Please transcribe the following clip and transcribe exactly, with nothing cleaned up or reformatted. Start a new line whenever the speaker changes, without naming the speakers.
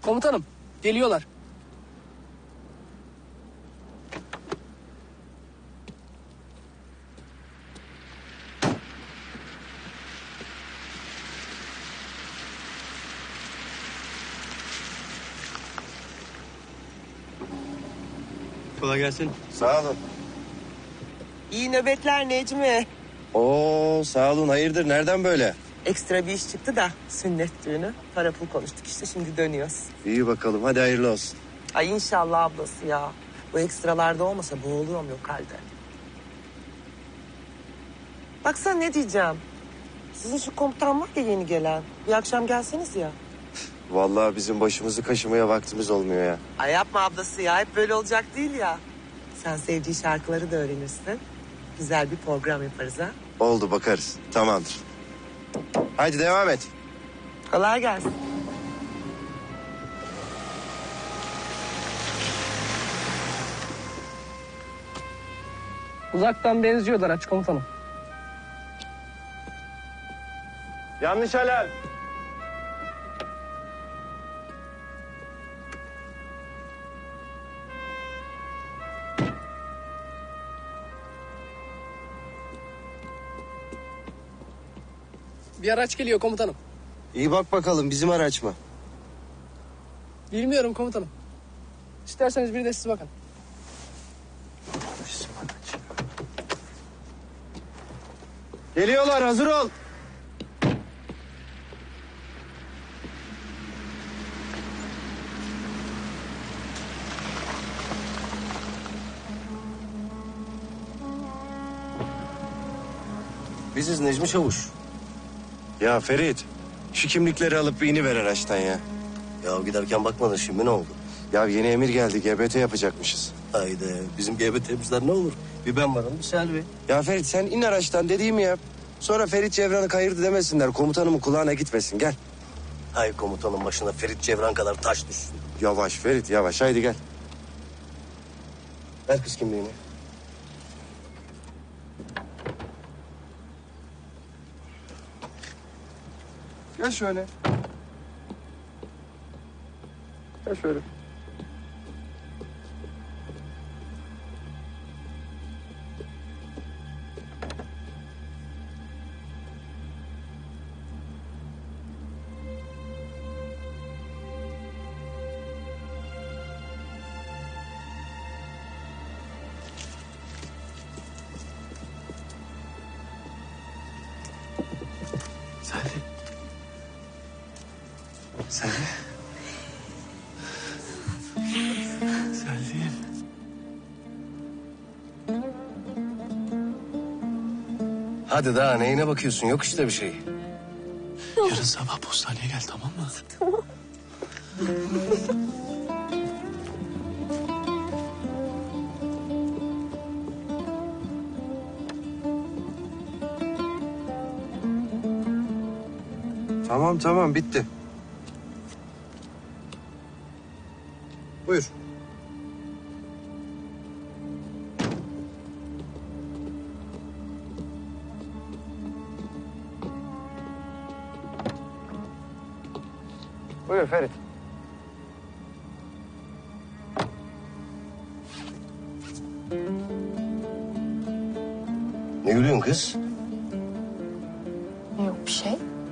Komutanım, geliyorlar.
Kolay gelsin.
Sağ olun.
İyi nöbetler Necmi.
Oo sağ olun. Hayırdır? Nereden böyle?
Ekstra bir iş çıktı da sünnet düğünü. Para pul konuştuk işte şimdi dönüyoruz.
İyi bakalım. Hadi hayırlı olsun.
Ay inşallah ablası ya. Bu ekstralarda olmasa boğuluyorum lokalde. Baksana ne diyeceğim. Sizin şu komutan var ya yeni gelen. Bir akşam gelseniz ya.
Vallahi bizim başımızı kaşımaya vaktimiz olmuyor ya.
Ay yapma ablası ya. Hep böyle olacak değil ya. Sen sevdiği şarkıları da öğrenirsin. Güzel bir program yaparız ha.
Oldu bakarız. Tamamdır. Haydi devam et.
Kolay gelsin.
Uzaktan benziyorlar aç komutanım.
Yanlış alarm.
Bir araç geliyor komutanım.
İyi bak bakalım bizim araç mı?
Bilmiyorum komutanım. İsterseniz bir de siz bakın.
Geliyorlar, hazır ol.
Biziz Necmi Çavuş.
Ya Ferit, şu kimlikleri alıp iniver araçtan ya.
Ya giderken bakmadın şimdi ne oldu?
Ya yeni emir geldi, G B T yapacakmışız.
Haydi bizim G B T'mizden ne olur? Bir ben varım bir Selvi.
Ya Ferit sen in araçtan dediğimi yap. Sonra Ferit Cevran'ı kayırdı demesinler. Komutanımın kulağına gitmesin. Gel.
Hay komutanın başına Ferit Cevran kadar taş düşsün.
Yavaş Ferit yavaş. Haydi gel.
Ver kız kimliğini.
Gel şöyle. Gel şöyle.
Selvi. Selvi. Selvi'm. Hadi daha neyine bakıyorsun? Yok işte bir şey.
Yarın sabah postaneye gel, tamam mı? Tamam.
Tamam tamam bitti. Buyur. Buyur Ferit.
Ne gülüyorsun kız?
Yok bir şey.